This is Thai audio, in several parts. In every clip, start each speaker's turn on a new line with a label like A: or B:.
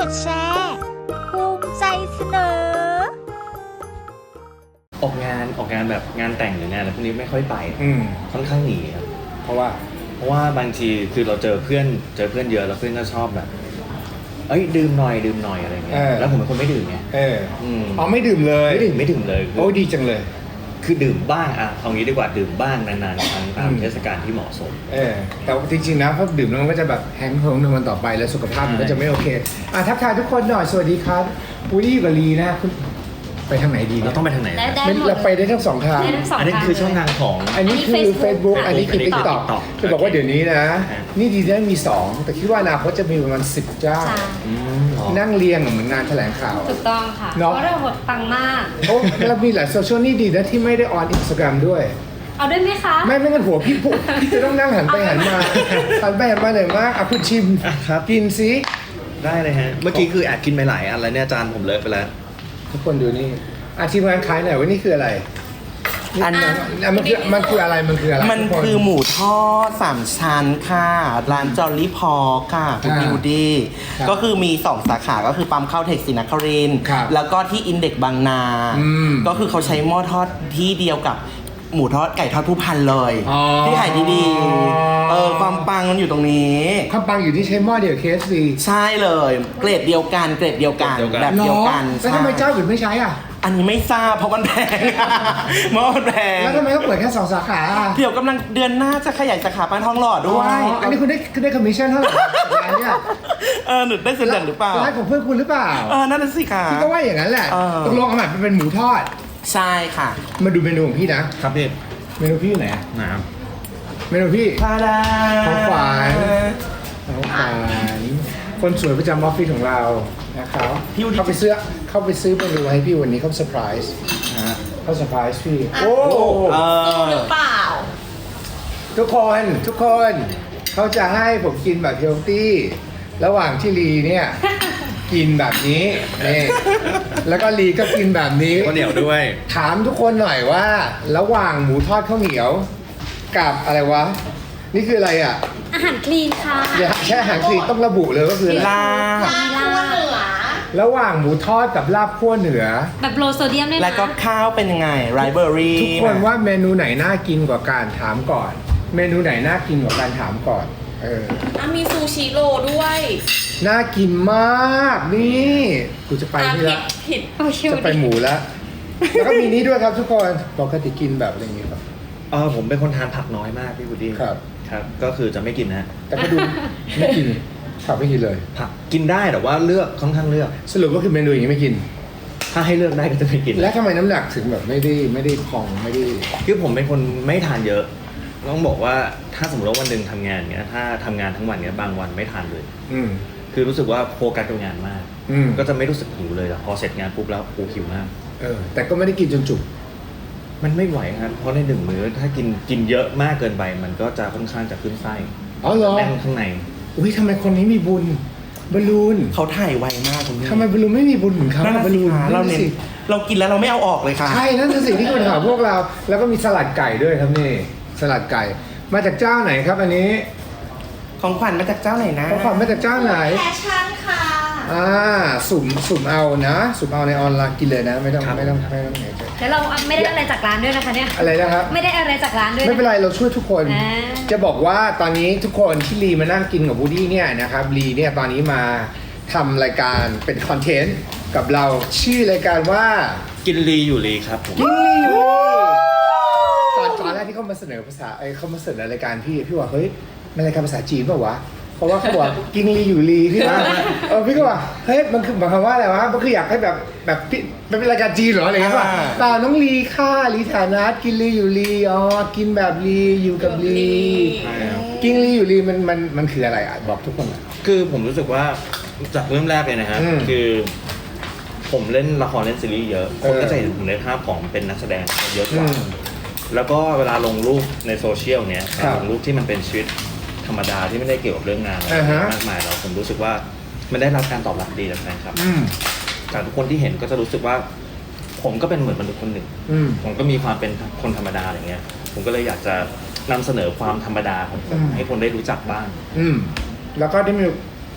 A: ดแชร์ภูมิใจเสนอ
B: ออกงานแบบงานแต่งหรืองานอะไรพวกนี้ไม่ค่อยไปค่อนข้างหนีครับ
C: เพราะว่า
B: บางทีคือเราเจอเพื่อนเยอะแล้วเพื่อนก็ชอบแบบดื่มหน่อยอะไรเงี้ยแล้วผมเป็นคนไม่ดื่มไง
C: ไม่ดื่มเลย
B: ไม่ดื่มเลย
C: โอ้ดีจังเลย
B: คือดื่มบ้างเอางี้ดีกว่าดื่มบ้างนานๆครั้งตามเทศกาลที่เหมาะสม
C: แต่จริงๆนะพอดื่มแล้วมันก็จะแบบแห้งเพิงในวันต่อไปแล้วสุขภาพมันก็จะไม่โอเคทักทายทุกคนหน่อยสวัสดีครับวูดดี้กับลีนะคุณไปทางไหนดี
B: เราต้องไปทางไหน
C: เราไปได้ทั้งสองทาง
B: อันนี้คือช่องทางของ
C: อันนี้คือ Facebook อันนี้คือ TikTok จะบอกว่าเดี๋ยวนี้นะนี่ดีนะมี2แต่คิดว่าอนาคตจะมีประมาณ10เจ้านั่งเรียงเหมือนงานแถลงข่าว
D: ถูกต้องค่ะเพราะเราหดปังมาก
C: แล้วมีหลายโซเชียลนี่ดีนะที่ไม่ได้ออนInstagramด้วย
D: เอาด้วยไหมคะ
C: ไม่งั้นหัวพี่จะต้องนั่งหันไปหันมาหน่อยมากคุณชิมกินซิ
B: ได้เลยฮะเมื่อกี้คือแอบกินไปหลายอันแล้วเนี่ยจานผมเลอะไปแล้ว
C: ทุกคนดูนี่ทีมงานขายหน่อยว่านี่คืออะไรมันคืออะไรมันคือ
E: หมูทอด3ชั้นค่ะร้านจอลลี่พอค่ะคุณบิวดี้ก็คือมี2สาขาก็คือปั๊มข้าวเทคศรีนครินทร์แล้วก็ที่อินเด็กซ์บางนาก็คือเขาใช้หม้อทอดที่เดียวกับหมูทอดไก่ทอดผู้พันเลยที่ขายดีๆความปังมันอยู่ตรงนี้
C: ความปังอยู่ที่ใช้หม้อเดียว KFC
E: ใช่เลยเกรดเดียวกันแบบเดียวกัน
C: แล้วทำไมเจ้าอื่นไม่ใช้
E: อันนี้ไม่ทราบเพราะมันแพงหม้อมันแพง
C: แล้วทำไมเขาเปิดแค่2สาขา
E: เดี๋ยวกำลังเดือนหน้าจะขยายสาขาปานทองหล่อด้วย
C: อันนี้คุณได้คอมมิชชั่นเท่าไหร่ร้านเนี่ย
E: หนูได้ส่วนแบ่งหรือเปล่า
C: ร้านของเพื่อนคุณหรือเปล่า
E: นั่นน่ะสิค่ะ
C: พี่ก็ว่าอย่างนั้นแหละตกลงเอาแบบเป็นหมูทอด
E: ใช่ค่ะ
C: มาดูเมนูของพี่นะครับ
B: พี่
C: เมนูพี่อยู่ไหนเมนูพี่ของขวัญคนสวยประจำออฟฟิศของเรานะครับเข้าไปซื้อเมนูให้พี่วันนี้เขาเซอร์ไพรส์พี่
D: โอ้หรือเปล่า
C: ทุกคนเขาจะให้ผมกินแบบเฮลตี้ระหว่างที่ลีเนี่ยกินแบบนี้นี่แล้วก็ลีก็กินแบบนี้
B: ข้าวเหนียวด้วย
C: ถามทุกคนหน่อยว่าระหว่างหมูทอดข้าวเหนียวกับอะไรวะนี่คืออะไร
D: อาหารคลีนค่ะ
C: แค่อาหารคลีนต้องระบุเลยก็คือ
E: ลาบ
C: ระหว่างหมูทอดกับลาบคั่วเหนือ
D: แบบโลโซเดียมได้ไหม
E: แล้วก็ข้าวเป็นยังไงไรเบอรี่
C: ทุกคนว่าเมนูไหนน่ากินกว่าการถามก่อนเมนูไหนน่ากินกว่าการถามก่อน
D: มีซูชิโรด้วย
C: น่ากินมากนี่กูจะไปนี่ละจะไปหมูแล้วแล้วก็มีนี้ด้วยครับทุกคนปกติกินแบบอะไรอย่างงี้ครับ
B: ผมเป็นคนทานผักน้อยมากพี่บูดี้
C: ครับ
B: ก็คือจะไม่กินนะ
C: แต่ก็ดูไม่กินผักไม่กินเลย
B: ผักกินได้แต่ว่าเลือกค่อนข้างเลือก
C: สรุปก็คือเมนูอย่างนี้ไม่กิน
B: ถ้าให้เลือกได้ก็จะไม่กิน
C: แล้วทำไมน้ำหนักถึงแบบไม่ได้พองไม่ได้
B: คือผมเป็นคนไม่ทานเยอะต้องบอกว่าถ้าสมมติว่าวันหนึ่งทำงานเนี้ยถ้าทำงานทั้งวันเนี้ยบางวันไม่ทานเลยคือรู้สึกว่าโฟกัสกับงานมากก็จะไม่รู้สึกหิวเลยแต่พอเสร็จงานปุ๊บแล้วหิวมาก
C: แต่ก็ไม่ได้กินจนจุก
B: มันไม่ไหวครับเพราะใน1 มื้อถ้ากินเยอะมากเกินไปมันก็จะค่อนข้างจะขึ้นไส้แน่นข้างใน
C: อุ้ยทำไมคนนี้มีบุญบอลลูน
E: เขาถ่ายไวมากคุณพี่
C: ทำไมบอลลูนไม่มีบุญเหมือนเขา
E: บอลลูนเรากินแล้วเราไม่เอาออกเลยค่ะ
C: ใช่นั่นคือสิ่งที่คนถามพวกเราแล้วก็มีสลัดไก่ด้วยครับนี่สลัดไก่มาจากเจ้าไหนครับอันนี้
E: ของขวัญมาจากเจ้าไหนนะ
C: ของขวัญมาจากเจ้าไหน
D: แฟชั่นค่ะ
C: สุ่มเอานะสุ่มเอาในออนไลน์กินเลยนะไม่ต้อง
D: แล้วเราไม่ได้อะไรจากร้านด้วยนะคะเนี่ย
C: อะไรนะครับ
D: ไม่ได้อะไรจากร้านด้วย
C: ไม่เป็นไรเราช่วยทุกคนจะบอกว่าตอนนี้ทุกคนที่ลีมานั่งกินกับวูดดี้เนี่ยนะครับลีเนี่ยตอนนี้มาทำรายการเป็นคอนเทนต์กับเราชื่อรายการว่า
B: กินลีอยู่ลีครับผม
C: กินลีอยู่ตอนแรกที่เขามาเสนอภาษาเขามาเสนอรายการพี่ว่าเฮ้ยมันรายการภาษาจีนเปล่าวะเพราะว่าเขาบอกกินลีอยู่ลีพี่ว่าพี่ก็ว่าเฮ้ยมันคือหมายความว่าอะไรวะมันคืออยากให้แบบเป็นรายการจีนเหรออะไรเงี้ยป่ะตาน้องลีค่าลีฐานะกินลีอยู่ลีกินแบบลีอยู่กับลีกินลีอยู่ลีมันคืออะไรบอกทุกคน
B: คือผมรู้สึกว่าจากเริ่มแรกเลยนะฮะคือผมเล่นละครเล่นซีรีส์เยอะคนก็จะเห็นผมในภาพของเป็นนักแสดงเยอะกว่าแล้วก็เวลาลงรูปในโซเชียลเนี้ยลงรูปที่มันเป็นชีวิตธรรมดาที่ไม่ได้เกี่ยวกับเรื่องงานมากมายแล้วผมรู้สึกว่ามันได้รับการตอบรับดีจากแฟนคลับจากทุกคนที่เห็นก็จะรู้สึกว่าผมก็เป็นเหมือนมนุษย์คนหนึ่งผมก็มีความเป็นคนธรรมดาอย่างเงี้ยผมก็เลยอยากจะนำเสนอความธรรมดาของผมให้คนได้รู้จักบ้าง
C: แล้วก็ได้มี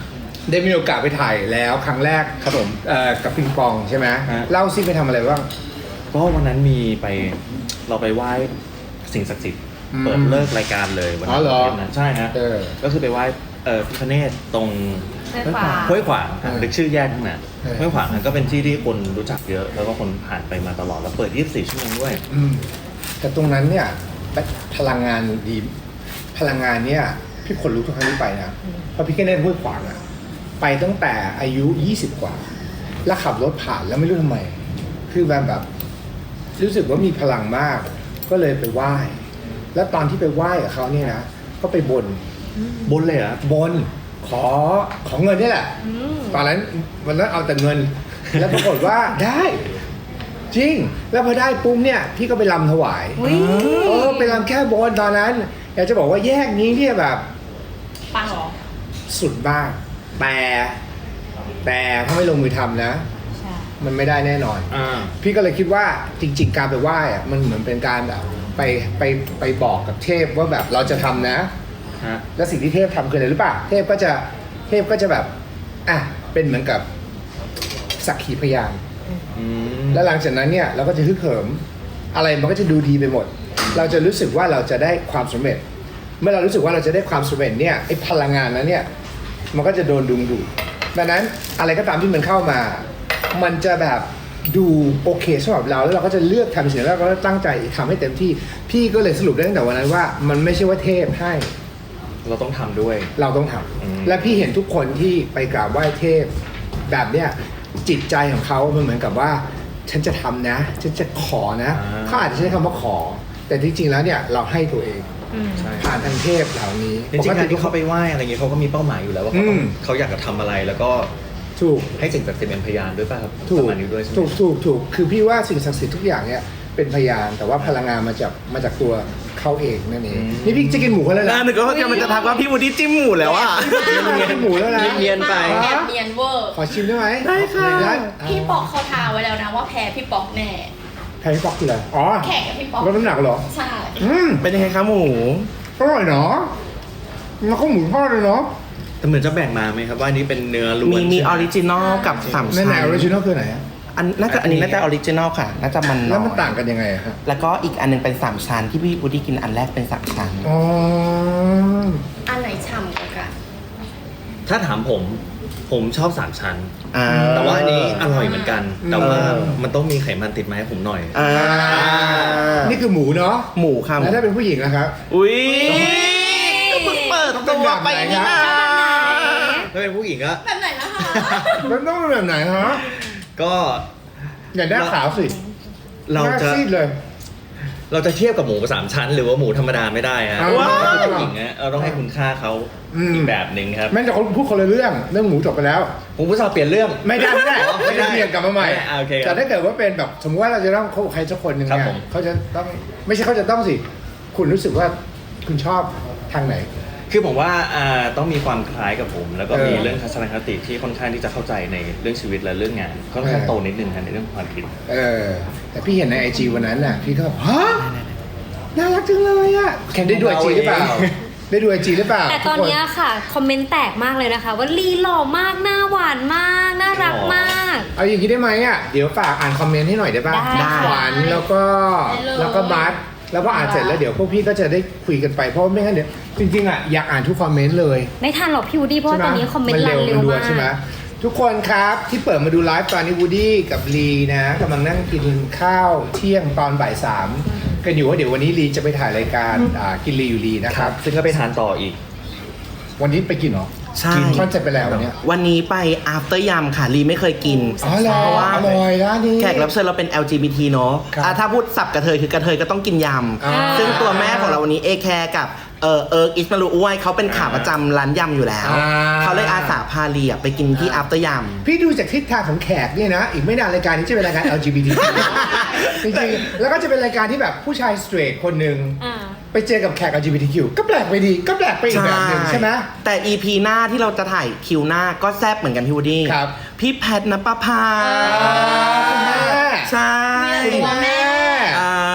C: ได้มีโอกาสไปถ่ายแล้วครั้งแรก
B: ครับผม
C: กับปิงปองใช่ไหม
B: ฮะ
C: เล่าซิไปทำอะไรบ้าง
B: ก็วันนั้นมีไปเราไปไหว้สิ่งศักดิ์สิทธิ์
C: อืม
B: เปิดเลิกรายการเลยวัน
C: อ๋อเหรอ
B: นั้นใช่ฮะ ก็คือไปไหว้พิฆเนศตรง ห้วยขวางครับนึกชื่อแยกทั้งนั้นห้วยขวางก็เป็นที่ที่คนรู้จักเยอะ แล้วก็คนผ่านไปมาตลอดแล้วเปิด 24 ชั่วโมงด้วย
C: แต่ตรงนั้นเนี่ยพลังงานดีพลังงานเนี่ยพี่คนรู้ทุกครั้งที่ไปนะเพราะพี่แค่เล่นห้วยขวางอะไปตั้งแต่อายุ 20 กว่า แล้วขับรถผ่านแล้วไม่รู้ทำไม คือแบบรู้สึกว่ามีพลังมาก ก็เลยไปไหว้ แล้วตอนที่ไปไหว้กับเขาเนี่ยนะก็ไปบน
B: บนเลยเหรอ่ะ
C: บนขอเงินนี่แหละ ตอนนั้นวันนั้นเอาแต่เงิน แล้วปรากฏว่าได้ จริง แล้วพอได้ปุ๊บเนี่ยพี่ก็ไปรำถวาย
D: อุ๊ย
C: ไปรำแค่บนตอนนั้น อยากจะบอกว่าแยกนี้เนี่ยแบบ
D: ปังเหรอ
C: สุดบ้างแต่ถ้าไม่ลงมือทำนะ
D: ใช่
C: มันไม่ได้แน่นอน พี่ก็เลยคิดว่าจริง ๆ การไปไหว้อะมันเหมือนเป็นการแบบไปบอกกับเทพว่าแบบเราจะทำนะ แล้วสิ่งที่เทพทำคืออะไรหรือเปล่าเทพก็จะแบบเป็นเหมือนกับสักขีพยานแล้วหลังจากนั้นเนี่ยเราก็จะฮึกเหิมอะไรมันก็จะดูดีไปหมด เราจะรู้สึกว่าเราจะได้ความสำเร็จ เมื่อเรารู้สึกว่าเราจะได้ความสำเร็จเนี่ยไอ้พลังงานนั้นเนี่ยมันก็จะโดนดึงดูดดังนั้นอะไรก็ตามที่มันเข้ามา มันจะแบบดูโอเคสำหรับเราแล้วเราก็จะเลือกทำสิ่งนั้นแล้วก็ตั้งใจทำให้เต็มที่พี่ก็เลยสรุปได้ตั้งแต่วันนั้นว่ามันไม่ใช่ว่าเทพให้
B: เราต้องทำด้วย
C: เราต้องทำและพี่เห็นทุกคนที่ไปกราบไหว้เทพแบบเนี้ยจิตใจของเขามันเหมือนกับว่าฉันจะทำนะฉันจะขอนะเขาอาจจะใช้คำว่าขอ แต่ที่จริงแล้วเนี่ยเราให้ตัวเอง
B: ใช่
C: ผ่านทางเทพเหล่านี้
B: จริงๆการที่เขาไปไหว้อะไรเงี้ยเขาก็มีเป้าหมายอยู่แล้วว่าเขาอยากจะทำอะไรแล้วก็
C: ถูก
B: ให้สิ่งศักดิ์สิทธิ์เป็นพยานด้วยป่ะครับ
C: ถู
B: ป
C: ก
B: ระมาณนี้ด้วยใช่ไหม
C: ถูกคือพี่ว่าสิ่งศักดิ์สิทธิ์ทุกอย่างเนี่ยเป็นพยานแต่ว่าพลังงานมาจากตัวเขาเองนั่นเองนี่พี่จะกินหมูเขาแล้วนะ
E: นึกว่ามันจะทักว่าพี่วูดดี้จิ้มหมูแล้วอ่ะ
C: กินหมูแล้วนะ
B: เนียนๆไป
D: แอบเนียนเวอร์
C: ขอชิมได้ไหม
E: ได้ค่ะ
C: ได้
D: พี่ปอกเขาทาไว้แล้วนะว่าแพ้พี่ปอกแน่
C: แพงปอกคืออะไรอ๋อ
D: แข่งกับพี่ปอก
C: ลดน้ำหนักเหรอ
D: ใช่
E: เป็นยังไงคะหมู
C: อร่อยเนาะแล้วก็หมูทอดเลยเนาะ
B: แต่เหมือนจะแบ่งมาไหมครับว่าอันนี้เป็นเนื้อล้วน
E: มี
B: ใช่ไห
E: ออริจินอลกับสาม
C: ใน
E: ชั้น
C: ไหนออริจินอลคือไหนอะ
E: อันนี้น่าจะออริจินอลค่ะ น่าจะมันน้อย
C: แล้วมันต่างกันยังไงอะครับ
E: แล้วก็อีกอันหนึงเป็น3ชั้นที่พี่วูดดี้กินอันแรกเป็น3ชั้น
C: อ๋อ
D: อันไหนฉ่ำกว่ากัน
B: ถ้าถามผมชอบ3ชั้น
E: อ่า
B: แต่ว่าอันนี้อร่อยเหมือนกัน แต่ว่ามันต้องมีไขมันติดมาให้ผมหน่อย
E: อ่า
C: นี่คือหมูเนาะ
E: หมูค่ะหมู
C: แล้วถ้าเป็นผู้หญิงนะครับ
E: อุ้ยก็เพิ่งเปิดตัวไปนี่นะ
B: ถ้าเป็นผู้หญิงก็
D: แบบไหนนะคะ
C: มันต้องเป็นแบบไหนฮะ
B: ก็
C: อย่าได้ขาวสิ
B: เรา
C: หน้
B: จะ
C: ซีดเลย
B: เราจะเทียบกับหมู3ชั้น หรือว่าหมูธรรมดาไม่ได้ฮะ
C: ว้าว
B: ถ้าเป็นผู้หญิงฮะเราต้องให้คุณค่าเขาอีกแบบหนึ่งครับ
C: แม่งจะพูดคนละเรื่องหมูจบไปแล้ว
B: ผมผู้ชายเปลี่ยนเรื่อง
C: ไม่ได้
B: ไม่ได้
C: เปลี่ยนกลับมาใหม่
B: โอเคครับ
C: แต่ถ้าเกิดว่าเป็นแบบสมมติว่าเราจะต้องคบกับใครสักคนหนึ่ง
B: ครับ
C: เนี่ย
B: ผม
C: เขาจะต้องไม่ใช่เขาจะต้องสิ คุณรู้สึกว่าคุณชอบทางไหน
B: คือผมว่าต้องมีความคล้ายกับผม แล้วก็มี
C: เออ
B: เรื่องทัศนคติที่ค่อนข้างที่จะเข้าใจในเรื่องชีวิตและเรื่องงานค่อนข้างโตนิดนึงครับในเรื่องความคิด
C: แต่พี่เห็นในไอจีวันนั้นน่ะพี่ก็แบบฮะน่ารักจังเลยอ่ะแคนได้ดูไอจีหรือเปล่า ได้ดูไอจีหรือเปล่า
F: แต่ตอนเนี้ยค่ะ คอมเมนต์แตกมากเลยนะคะ ว่าลีหล่อมาก หน้าหวานมาก น่ารักมาก
C: เอาอย่างนี้ได้ไหมอ่ะเดี๋ยวฝากอ่านคอมเมนต์ให้หน่อยได้ป่ะ
F: ได้
C: ขวัญแล้วก็บัสแล้วก็อ่านเสร็จแล้วเดี๋ยวพวกพี่ก็จะได้คุยกันไปเพราะว่าไม่งั้นเดี๋ยวจริงๆอ่ะอยากอ่านทุกคอมเมนต์เลย
F: ไม่ทันหรอกพี่วูดดี้เพราะว่าตอนนี้คอมเมนต์รันเร็ว
C: ด่
F: มาก
C: ใช่ไหมทุกคนครับที่เปิดมาดูไลฟ์ตอนนี้วูดดี้กับลีนะกำลังนั่งกินข้าวเที่ยงตอนบ่ายสามกันอยู่ว่าเดี๋ยววันนี้ลีจะไปถ่ายรายการกินลีอยู่ลีนะครับ
B: ซึ่งก็ไปทานต่ออีก
C: วันนี้ไปกินเหรอ
E: ใช่
C: กินคอนเซ็ปต์ไปแล้ววันเนี้ย
E: วันนี้ไป after ยำค่ะลีไม่เคยกิน
C: อ๋อเหรอ
E: เพราะว่า
C: อร่อยร้านนี้
E: แขกรับเชิญเราเป็น LGBT เนอะ
C: ครับ
E: ถ้าพูดสับกระเทยคือกระเทยก็ต้องกินย
C: อ่า
E: ำซึ่งตัวแม่ของเราวันนี้เอแคร์กับอิสมาลูอ้วยเขาเป็นขาประจำร้านยำอยู่แล้ว เขาเลยอาสาพาลีไปกินที่ after ยำ
C: พี่ดูจากทิศทางของแขกเนี่ยนะ อีกไม่นานรายการนี้จะเป็นรายการ LGBT จริงๆแล้วก็จะเป็นรายการที่แบบผู้ชายสเตรทคนหนึ่ง
F: อ่า
C: ไปเจอกับแขก LGBTQ ก็แปลกไปดีก็แปลกไปอีกแบบหนึ่งใช่ไหม
E: แต่ EP หน้าที่เราจะถ่ายคิวหน้าก็แซบเหมือนกันพี่วูดดี้
C: ครับ
E: พี่แพทนปภา
C: คุณแม่
E: ใช่
C: คุณแม่
E: อ่า
C: นี่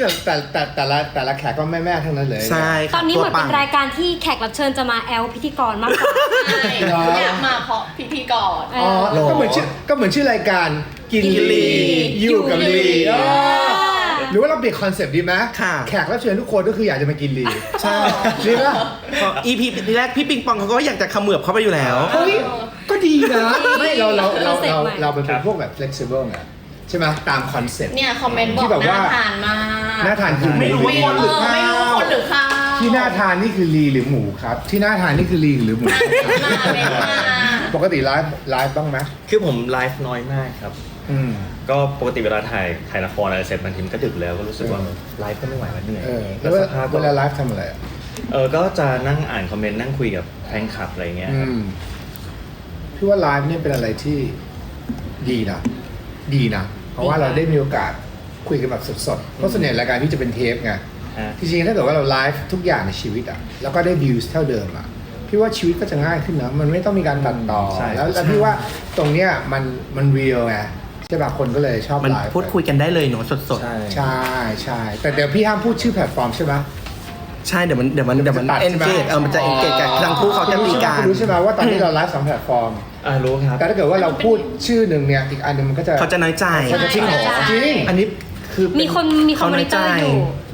C: แต่ละแขกก็แม่ๆทั้งนั้นเลย
E: ใช่
F: ต
E: ค่ะ
F: อนนี้เหมือน
E: ตัว
F: เป็นรายการที่แขกรับเชิญจะมาแอลพิธีกรมากกว่า
D: ใช่อยากมาเพราะพิธีกร
C: อ๋อก็เหมือนชื่อรายการกินลีอยู่กับลี
D: อยู่กับลี
C: หรือว่าเราเปลี่ยนคอนเซปต์ดีไหม
E: ค่ะ
C: แขกรับเชิญทุกคนก็คืออยากจะมากินลี
E: ใช่
C: ดีป่ะ
E: EP แรกพี่ปิงปองเขาก็อยากจะเขมือบเข้าไปอยู่แล้ว
C: เฮ้ยก็ดีนะไม่เรา
F: concept ใหม่
C: เป็นพวกแบบ flexible ไงใช่ไหมตามคอนเซปต์
D: เนี่ยคอมเมนต์บอ
C: ที่
D: ก
C: แบบว่า
D: น่าทานมาก
C: น่าทานคือ
E: ไม่รู้ว่าคนหรือข้าว
D: ไม่รู้ว่าคนหรือข้าว
C: ที่น่าทานนี่คือลีหรือหมูครับ ที่น่าทานนี่คือลีหรือหมู
D: เมนต์มา
C: ปกติไลฟ์บ้างไหม
B: คือผมไลฟ์น้อยมากครับ
C: อืม
B: ก็ปกติเวลาถ่ายละครอะไรเสร็จบางทีมันก็ดึกแล้วก็รู้สึกว่าไลฟ์ก็ไม่ไหวแล้วเหนื่อย
C: แล้ว
B: สภาพ
C: เวลาไลฟ์ทำอะไรอ่ะ
B: ก็จะนั่งอ่านคอมเมนต์นั่งคุยกับแฟนคลับอะไรเงี้ยครับ
C: พี่ว่าไลฟ์เนี่ยเป็นอะไรที่ดีนะเพราะว่าเราได้มีโอกาสคุยกันแบบสดๆเพราะส่วนใหญ่รายการพี่จะเป็นเทปไง
B: ฮะ
C: จริงๆถ้าเกิดว่าเราไลฟ์ทุกอย่างในชีวิตอ่ะแล้วก็ได้วิวเท่าเดิมอ่ะพี่ว่าชีวิตก็จะง่ายขึ้นนะมันไม่ต้องมีการตัดต่อ
B: ใช่
C: แล้วพี่ว่าตรงเนี้ยมันเรียลไงใช่ป่ะคนก็เลยชอบ
E: มัน
C: ไลฟ์
E: พูดคุยกันได้เลยเนาะสด
B: ใช่
C: ใช่แต่เดี๋ยวพี่ห้ามพูดชื่อแพลตฟอร์มใช่ไหม
E: ๆ ใช่เดี๋ยวมัน
C: ตัดใช่ไหม
E: engage มันจะ engage กันทั้งคู่เขาจะมีการ
C: คุณรู้ใช่ไหมว่าตอนนี้เราไลฟ์สองแพลตฟอร์ม
B: รู้ครับ
C: แต่ถ้าเกิดว่าเราพูดชื่อหนึ่งเนี่ยอีกอันหนึงมันก็จะ
E: เขาจะน้อยใจ
C: เขาจะจริงเหรอจริง
E: อันนี้คือ
F: มีคนมอนิเตอร์อยู่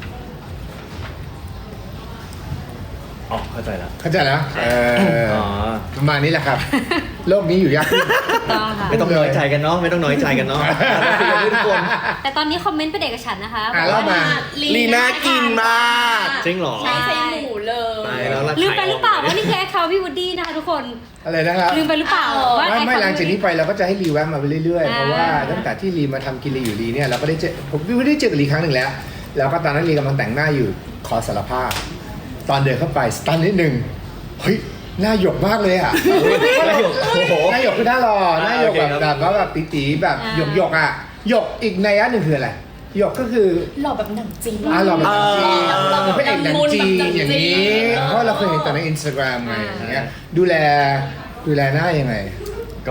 B: อ๋อเข้าใจแล้ว
C: เข้าใจแล้ว
B: อ๋อ
C: ประมาณนี้แหละครับ โลกนี้อยู่ยากขึ้น
F: ต้องค่ะ
B: ไม่ต้องน้อยใจกันเนาะไม่ต้องน้อยใจกันเนาะคุยกันทุกคน
F: แต่ตอนนี้คอมเมนต์เป็นเอกฉันท์นะคะ
C: เล่ามา
E: ลีน่ากินมาก
B: จริงเหรอ
D: ใช้ไส้หมูเลย
B: ตายแล้วรา
F: ลืมไปหรือเปล่า
B: ขย
F: ว่านี่คือแอคเคาท์พี่วูดดี้นะคะทุกคน
C: อะไรนะครับ
F: ลืมไปหรือเปล่าว่า
C: ไม่
F: account
C: หลังจากนี้ไปเราก็จะให้รีแวะมาไปเรื่อยๆ
F: อ่า
C: เพราะว่าตั้งแต่ที่รีมาทำกินรีอยู่รีเนี่ยเราก็ได้เจอผมไม่ได้เจอกับรีครั้งหนึ่งแล้ว แล้วก็ตอนนั้นรีกำลังแต่งหน้าอยู่ขอสารภาพ ตอนเดินเข้าไปสตันนิดนึงเฮ้ยหน้าหยกมากเลยอ่ะ
B: หน้าหยกโอ้โห
C: หน้าหยกคือหน้าหล่อหน้าหยก
B: โอเค
C: แบบ
B: ครับ
C: แบบว่าแบบตีๆแบบหยกๆอ่ะหยกอีกในอันหนึ่งคืออะไรหยกก็คือ
D: หล่อแบบหนังจีน
C: หล่อแบบหนังจีน
D: หล่อแบบ
C: พระเอกหนังจีน
D: แบบ
C: อย่างนี้
D: เออ
C: เพราะเราเคยเห็นแต่ในอินสตาแกรมไงอย่างเงี้ยดูแลหน้ายังไง
B: ก็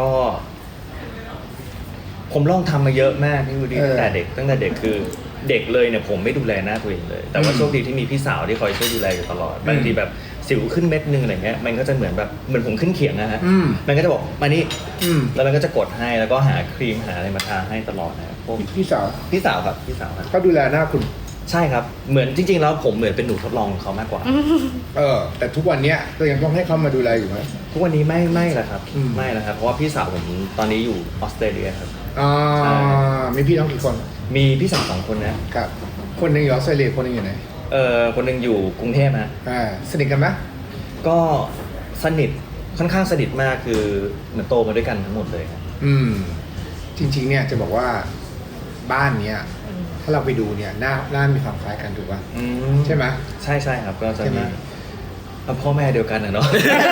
B: ผมลองทำมาเยอะมากพี่วูดดี้ ตั้งแต่เด็กคือเด็กเลยเนี่ยผมไม่ดูแลหน้าตัวเองเลย แต่ว่าโชคดีที่มีพี่สาวที่คอยช่วยดูแลอยู่ตลอดบางทีแบบสิวขึ้นเม็ดนึงอะไรเงี้ยมันก็จะเหมือนผมขึ้นเขียงนะฮะมันก็จะบอกมานี่ แล้วมันก็จะกดให้แล้วก็หาครีมหาอะไรมาทาให้ตลอดนะครับพวก
C: พี่สาว
B: พี่สาวครับพี่สาวครับ
C: เขาดูแลหน้าคุณ
B: ใช่ครับเหมือนจริงๆแล้วผมเหมือนเป็นหนูทดลองของเขามากกว่า
C: แต่ทุกวันเนี้ยก็ยังต้องให้เขามาดูแลอยู่ไหม
B: ทุกวันนี้ไม่แล้วครับ
C: อืม
B: ไม่แล้วครับเพราะว่าพี่สาวผมตอนนี้อยู่ออสเตรเลียครับ
C: อ่า
B: ใช่
C: มีพี่น้องกี่คน
B: มีพี่สาว2 คนนะ
C: ครับ คนหนึ่งอยู่ออสเตรเลียคนหนึ่งอยู่ไหน
B: คนหนึ่งอยู่กรุงเทพนะ
C: สนิทกันไหม
B: ก็สนิทค่อนข้างสนิทมากคือเหมือนโตมาด้วยกันทั้งหมดเลยครับ
C: จริงๆเนี่ยจะบอกว่าบ้านเนี้ยถ้าเราไปดูเนี่ยหน้ามีความคล้ายกันถูกป่ะ ใช่ไหม
B: ใช่ครับก็จะ
C: ใช่ไหม
B: มีพ่อแม่เดียวกันนะเนาะ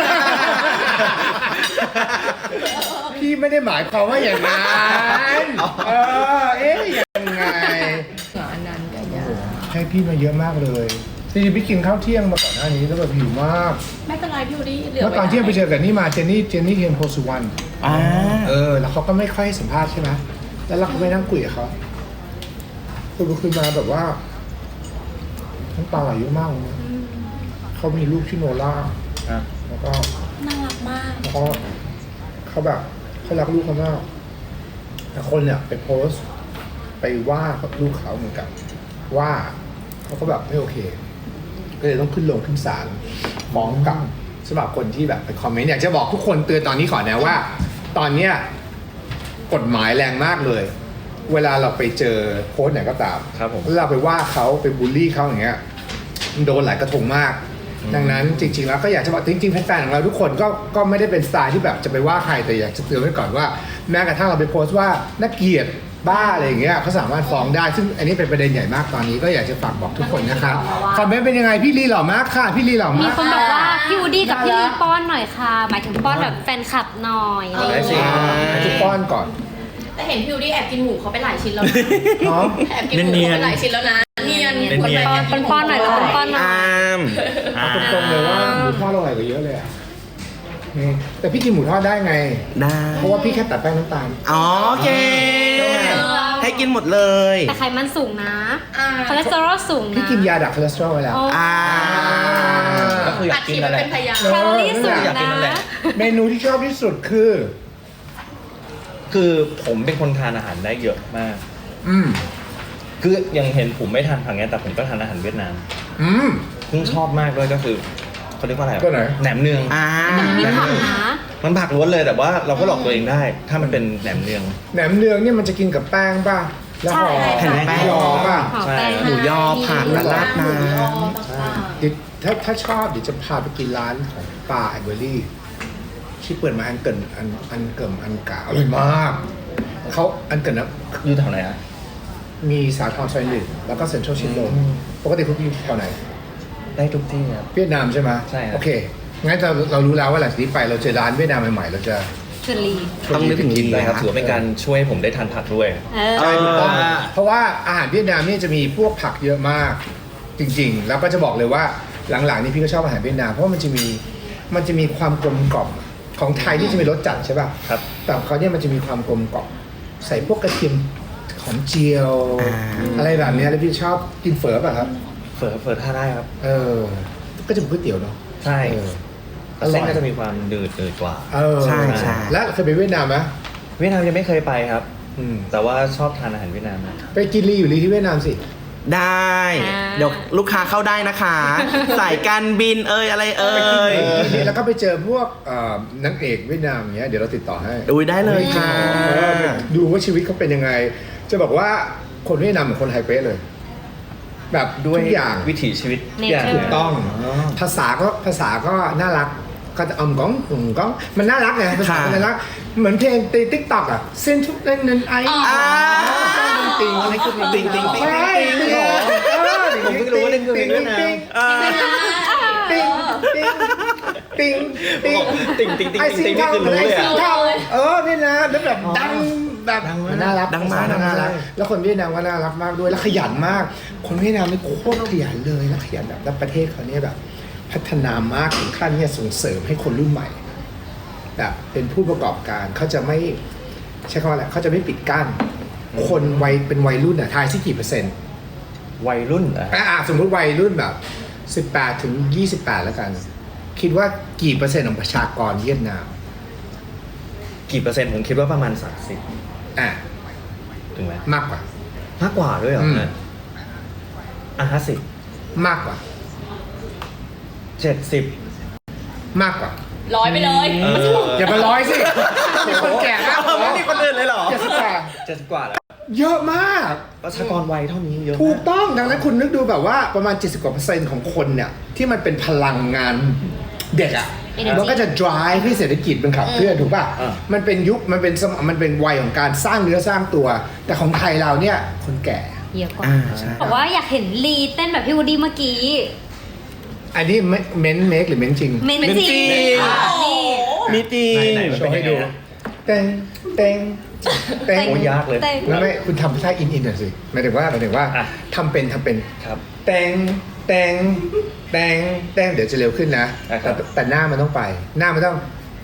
C: พี่ไม่ได้หมายความว่าอย่างนั้นยังไง
D: อันนั้นก็ยาก
C: ให้พี่มาเยอะมากเลยจริงๆพี่กินข้าวเที่ยงมาก่อนหน้านี้แล้วแบบหิวมาก
D: ไม่เป็นไรพี่วูดดี้เหลือ
C: เมื่อตอนเที่ยงไปเจอกับนี่มาเจนนี่เทียนโพสุวรรณ แล้วเขาก็ไม่ค่อยให้สัมภาษณ์ใช่ไหมแล้วเราก็ไปนั่งคุยกับเขาคือมาแบบว่าน้ำตาไหลเยอะมากเลยนะเขามีลูกชื่อโนล่าแล้วก็
D: น่ารักมาก
C: เขาแบบเขารักลูกเขามากแต่คนเนี่ยไปโพสต์ไปว่าลูกเขาเหมือนกันว่าเขาก็แบบไม่โอเค ก็เลยต้องขึ้นศาลฟ้องกลับสำหรับคนที่แบบไปคอมเมนต์อยากจะบอกทุกคนเตือนตอนนี้ก่อนนะว่า ตอนเนี้ยกฎหมายแรงมากเลย เวลาเราไปเจอโพสต์ไหนก็ตาม
B: ครับผม
C: แล้วเราไปว่าเขาไปบูลลี่เขาอย่างเงี้ยมันโดนหลายกระทงมาก ดังนั้นจริงๆแล้วก็อยากจะบอกจริงๆแฟนๆของเราทุกคนก็ไม่ได้เป็นสไตล์ที่แบบจะไปว่าใครแต่อยากจะเตือนไว้ก่อนว่าแม้กระทั่งเราไปโพสต์ว่าน่าเกลียดบ้าอะไรอย่างเงี้ยเขาสามารถฟ้องได้ซึ่งอันนี้เป็นประเด็นใหญ่มากตอนนี้ก็อยากจะฝากบอกทุกคนนะครับคอมเมนต์เป็นยังไงพี่ลีหล่อมากค่ะพี่ลีหล่อ
F: มี
C: มาก
F: คนบอกว่าพี่วูดดี้กับพี่ลีป้อนหน่อยค่ะ หมายถึงป้อนแบบแฟนคลับหน่อยอะไรอย่าง
B: ได้สิ
F: เงี้ย
C: ให้ทุกป้อนก่อน
D: แต่เห็นพี่วูดดี้แอบกินหมูเขาไปหลายชิ้นแล้วนะ
C: เนาะ
D: แอบกินหมูเขาไปหลายชิ้นแล้วนะเนียน
B: เนียน
F: ป้อนหน่อยแล้วป้อนหน่อย
C: เอาตรงๆเลยว่าหมูทอดอร่อยกว่าเยอะเลยอ่ะนี่แต่พี่กินหมูทอดได้ไง
E: ได้
C: เพราะว่าพี่แค่ตัดแป้งน้ำตาล
E: อ๋อโอเค
C: ใช่ไหม
E: แให้กินหมดเลย
F: แต่ไขมันสูงนะ
D: อ่า
F: คอเลสเตอรอลสูงนะ
C: พี่กินยาดักคอเลสเตอรอลไว้แล้ว
F: อ๋อ
B: ก็คืออยา
D: อั
B: ก
D: ด
B: กิ
D: ฉี
B: น
D: ด
B: นั่
D: มาน
B: แห
D: เป็
B: ละ
D: นพยาน
F: แคลอรี่สูง
B: อยากกินนั่นแห
F: นะ
B: ละ
C: เมนูที่ชอบที่สุดคือ
B: คือผมเป็นคนทานอาหารได้เยอะมาก
C: อืม
B: คือยังเห็นผมไม่ทานผักไงแต่ผมก็ทานอาหารเวียดนาม
C: อืม
B: ซึ่งชอบมากด้วยก็คือเขาเรียกว่าอะไรอะ
C: ตัวไหน
B: แหนมเนือง
F: แต่มันมีผักนะ
B: มันผักล้วนเลยแต่ว่าเราก็หลอกตัวเองได้ ถ้ามันเป็นแหนมเนือง
C: แหนมเนืองเนี่ยมันจะกินกับแป้งป่ะ แล้วห่อ
F: ใช่
E: แผ่นแป้ง
C: ยอป่ะ
F: ขอแป้ง
E: หมูยอผักและราดน้
D: หมูยอต่าง
C: เดี๋ยวถ้าชอบเดี๋ยวจะพาไปกินร้านของป้าไอเบอรี่ที่เปิดมาอันเกินอันเกิมอันกาอร่อยมากเขาอันเกินนะ
B: อยู่แถวไหนอะ
C: มีสาทรซอยหนึ่งแล้วก็เซ็นทรัลชิดลมปกติคุณอยู่แถวไหน
B: ได้ทุกที่ครับ
C: เวียดนามใช่ไหม
B: ใช่ครับ
C: โอเค งั้นเรารู้แล้วว่าหลังจากนี้ไปเราเจอร้านเวียดนามใหม่ๆเราจะ
F: ชวนลี
E: ต้องนึกถึง
C: กิน
E: ลี
B: ได้
E: นะ
B: ครับถือว่าเป็นการช่วยผมได้ทานผักด้วย
F: เออ
C: ใช่ถูกต้องเพราะว่าอาหารเวียดนามเนี่ยจะมีพวกผักเยอะมาก จริงๆ แล้วก็จะบอกเลยว่าหลังๆนี่พี่ก็ชอบอาหารเวียดนามเพราะว่ามันจะมีความกลมกล่อมของไทยที่จะมีรสจัดใช่ป่ะ
B: ครับ
C: แต่ของเขาเนี่ยมันจะมีความกลมกล่อมใส่พวกกระเทียมหอมเจียว อะไรแบบเนี้ยแล้วพี่ชอบกินเฝอป่ะครับ
B: เฝอท่าได้ครับ
C: ก็จะเป็นก๋วยเตี๋ยวเนาะ
B: ใช่
C: เออ
B: แต่เส้นก็จะมีความดืดกว่า
E: ใช่ใช่
C: แล้วเคยไปเวียดนามไหม
B: เวียดนามยังไม่เคยไปครับ
C: อืม
B: แต่ว่าชอบทานอาหารเวียดนามนะ
C: ไปกินรีอยู่รีที่เวียดนามสิ
E: ได้ เดี๋ยวลูกค้าเข้าได้นะคะ สายการบินอะไร
C: แล้วก็ไปเจอพวกนางเอกเวียดนามอย่างเงี้ยเดี๋ยวเราติดต่อให้
E: อุ้ยได้เลยค่ะ
C: ดูว่าชีวิตเขาเป็นยังไง จะบอกว่าคนเวียดนามเหมือนคนไทยเป๊ะเลย แบบด้วยทุกอย่าง
B: วิถีชีวิต
F: Nature
C: ถูกต้อง ภาษาก็น่ารักก็จะก้องมันน่ารักไงภาษา
E: ค่ะ
C: น่ารักเหมือนเพลงในติ๊กต็อกอ่ะเส้นทุกเล่นนั้นไอติงอะไรคือติงใช่
B: ผมเพิ่งรู้ว่านี่คือเพลงเวียดนาม
C: ติงติงติง
B: ติ่ง
C: ไอ
B: ติ่งติ่ง
C: ซิ
B: ติ่
C: ง
B: งนี่
C: เท่า
B: คือรู้
C: ไอ
B: เลย
C: ซิง
B: อะ
C: เท่านี่นะแล้วแบบดังแบบน่ารัก
E: ดังมาก
C: น่ารักแล้วคนเวียดนามก็น่ารักมากด้วยแล้วขยันมาก คนเวียดนามนี่โคตรขยันเลยแล้วขยันแบบแล้วประเทศเขาเนี่ยแบบ พัฒนามากถึงขั้นเนี่ยส่งเสริมให้คนรุ่นใหม่แบบเป็นผู้ประกอบการเขาจะไม่ใช้คำว่าอะไรเขาจะไม่ปิดกั้น คนวัยเป็นวัยรุ่นอ่ะทายสิกี่เปอร์เซ็นต์
B: วัยรุ่นเหรอ
C: สมมติวัยรุ่นแบบ18ถึง28แล้วกัน คิดว่ากี่เปอร์เซ็นต์ของประชากรเวียดนาม
B: กี่เปอร์เซ็นต์ผมคิดว่าประมาณ
C: อ่ะ
B: 30ถึงไหม
C: มากกว่า
B: มากกว่าด้วยเหรอ
C: อืม
B: เนี่ย50
C: มากกว่า
B: 70
C: มากกว่า
D: ร้อยไปเลย
C: อย่ามาร้อยสิมีคนแก่มากกว่า
E: ไม่มีคนอื่นเลยเหรอ
B: 70 กว่าแล้ว
C: เยอะมาก
B: ประชากรวัยเท่านี้เยอะ
C: ถูก
B: มาก
C: ต้องดังนั้นคุณนึกดูแบบว่าประมาณ 70 กว่าเปอร์เซ็นต์ของคนเนี่ย ที่มันเป็นพลังงานเด็กอ่ะ
F: Energy
C: มันก็จะ drive ให้เศรษฐกิจมันขับเคลื่อนถูกป่ะ
B: อ่า
C: มันเป็นยุคมันเป็นวัยของการสร้างเนื้อสร้างตัว แต่ของไทยเราเนี่ยคนแก่
F: เยอะกว่า
E: ใช่
F: บอกว่าอยากเห็นลีเต้นแบบพี่วูดดี้เมื่อกี้
C: อันนี้เม้นเมคหรือเม้นจริง
F: เมนจริง นี่
E: มีจริง
B: ไหน
C: โชว์ให้ดูเต็งเต็งเต็ง
B: โอ้ยากเลย
F: เต้น
C: ไม่คุณทำท่าอินหน่อยสิหมายถึงว่า
B: อ่ะ
C: ทำเป็น
B: ครับ
C: แตงแตงแตงแตงเดี๋ยวจะเร็วขึ้นนะ
B: อ่ะครับ
C: แต่หน้ามันต้องไป หน้ามันต้อง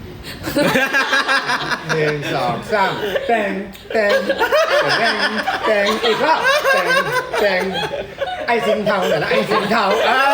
C: 1 2 3แตงแตงแตงแตงอีกรอบแตงไอซิงเทาแต่ละไอซิงเทา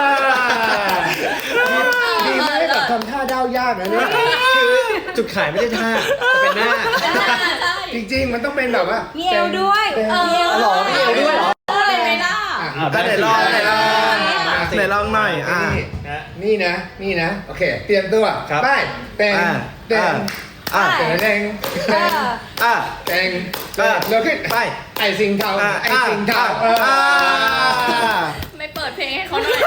C: ดีไหมแบบทำท่าด้าวยากนะเนี่ย
B: คือจุดขายไม่ใช่ท่าแต่เป็นหน้า
C: จริงๆมันต้องเป็นแบบว่า
F: มีเอวด้วย
C: แตง
B: หล่อมีเอวด้วยเหรอ
D: อะไรไม่ได้
E: ก็ไหนลองไหนลองไหนลองหน่อย
C: นี่นะโอเคเตรียมตัว
B: ครับ
C: ไปแตงแตง แตงแตงแตงแตงเร็วขึ้น
E: ไป
C: ไอซิงเทาไอซิงเทา
D: ไม่เปิดเพลงให้เขาหน่อย